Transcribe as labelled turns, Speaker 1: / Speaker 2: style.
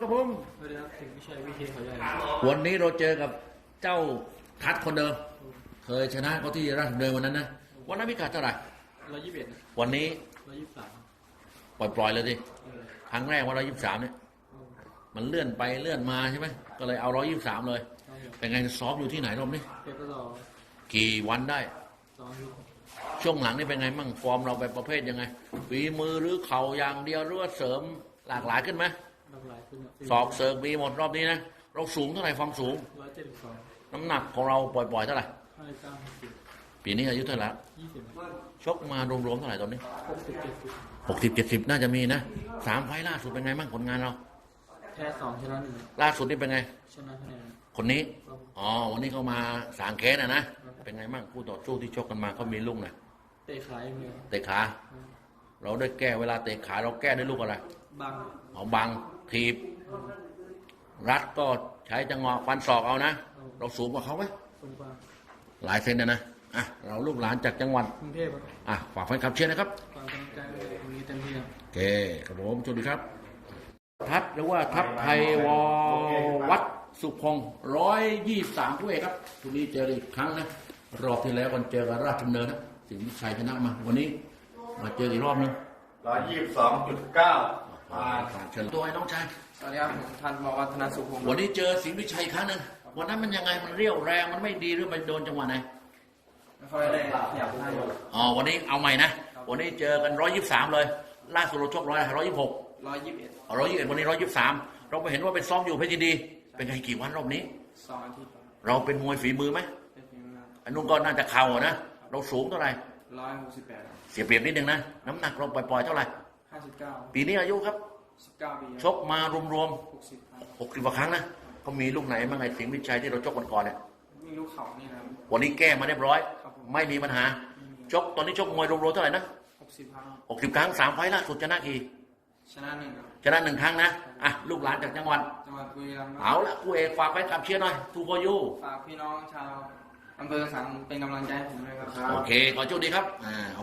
Speaker 1: ครับผม
Speaker 2: สวัสดีครับถึงวิชัยวิเทศเขาใหญ่
Speaker 1: วันนี้เราเจอกับเจ้าทัดคนเดิม เคยชนะเขาที่ราชดำเนินวันนั้นนะวันนั้นพิกัดเท่าไหร่
Speaker 2: 121
Speaker 1: วันนี้
Speaker 2: 123
Speaker 1: ปล่อยเลยดิครั้งแรกว่า123เนี่ยมันเลื่อนไปเลื่อนมาใช่ไหมก็เลยเอา123เลยเป็นไงซ้อมอยู่ที่ไหนรอบนี้
Speaker 2: เพชรรอ
Speaker 1: กี่วันได้
Speaker 2: 2 ยุค
Speaker 1: ช่วงหลังนี่เป็นไงมั่งฟอร์มเราไปประเภทยังไงฝีมือหรือเข่าอย่างเดียวหรือว่าเสริมหลากหลายขึ้นไหม
Speaker 2: หลากหลายขึ้น
Speaker 1: ศอกเสิร์ฟมีหมดรอบนี้นะเราสูงเท่าไหร่ความสูง
Speaker 2: 172
Speaker 1: น้ำหนักของเราปล่อยๆเท่าไหร่
Speaker 2: 59
Speaker 1: ปีนี้อายุเท่าไหร่ละ
Speaker 2: 20
Speaker 1: ชกมารวมๆเท่าไหร่ตอนนี้
Speaker 2: 60
Speaker 1: 60-70น่าจะมีนะ3 ไฟล์ล่าสุดเป็นไงบ้างผลงานเรา
Speaker 2: 70แพ้2ชนะ1
Speaker 1: ล่าสุดนี่เป็นไง
Speaker 2: ชนะคะแนน
Speaker 1: คนนี้อ๋อวันนี้เขามาสางแค้นนะเป็นไงบ้างคู่ต่อสู้ที่ชกกันมาเขามีลูกนะ
Speaker 2: เตะขาอย่างเดียว
Speaker 1: เตะขาเราได้แก้เวลาเตะขาเราแก้ด้วยลูกอะไร
Speaker 2: บัง
Speaker 1: เอาบังทีบรัดก็ใช้จังหวะฟันศอกเอานะเราสูงกว่าเขาไหม
Speaker 2: คนกว้าง
Speaker 1: หลายเซนนะอ่ะเราลูกหลานจากจังหวัด
Speaker 2: กรุงเทพครับ
Speaker 1: อ่ะฝากแฟนคลับเชียร์นะครับ
Speaker 2: ฝากกำลังใจไว้วันนี้เต็มที่ครับ
Speaker 1: โอเคครับผมสวัสดีครับทัพหรือว่าทัพไทยววัดสุพงศ์123ผู้เอกครับทุนี้เจออีกครั้งนะรอบที่แล้วกันเจอกับราชดำเนินนะสิงห์ชัยชนะมาวันนี้มาเจออีกรอบนึง
Speaker 3: 122.9
Speaker 1: ผ่านเชิญตัวไอ้น้องชาย
Speaker 2: สวัสดีครับผมทันบอกวัฒนสุพงศ์
Speaker 1: วันนี้เจอสิงห์วิชัยอีกครั้งหนึงวันนั้นมันยังไงมันเรี่ยวแรงมันไม่ดีหรือมันโดนจังหวะไหน
Speaker 2: ไม่ค่อยได้ขยับให้
Speaker 1: อ๋อวันนี้เอาใหม่นะวันนี้เจอกัน123เลยล่าสุดเราชก126
Speaker 2: 121
Speaker 1: 121วันนี้123เราไปเห็นว่าเป็นซ้อมอยู่เพชรยินดีเป็นไงกี่วันรอบนี้
Speaker 2: 2 อาทิตย์
Speaker 1: เราเป็นมวยฝีมือไหม
Speaker 2: เป็นเพียงนะ
Speaker 1: อันนู้นก็น่าจะเข่าอะนะเราสูงเท่าไหร่
Speaker 2: 168
Speaker 1: เสียเปรียบนิดนึงนะน้ำหนักเราปล่อยๆเท่าไหร่
Speaker 2: 59
Speaker 1: ปีนี้อายุครับ
Speaker 2: 19 ปี
Speaker 1: ชกมารวม
Speaker 2: 60 ครั้ง
Speaker 1: ๆ60กว่าครั้งนะเขามีลูกไหนบ้างไงสิงห์วิชัยที่เราชกกันก่อนเนี่ย
Speaker 2: มีลูกเขานี่นะครับ
Speaker 1: วันนี้แก้มาเรียบร้อย
Speaker 2: ครับผม
Speaker 1: ไม่มีปัญหาชกตอนนี้ชกมวยรวมๆเท่าไหร่นะ
Speaker 2: 60 ครั้ง
Speaker 1: 60 ครั้ง3 ไฟล์ล่าสุดชนะกี่
Speaker 2: ชนะ1ครับ
Speaker 1: ชนะ1 ครั้งนะอ่ะลูกหลานจากจังหวัด
Speaker 2: จังหวัดบุรีรัมย์ครับ
Speaker 1: เอาละคู่เอกฝากไว้กับเชียร์หน่อยทูโฟยู
Speaker 2: ฝากพี่น้องชาวอำเภอสังเป็นกำลังใจให้ผมด้วยครับ
Speaker 1: โอเคขอโชคดีครับ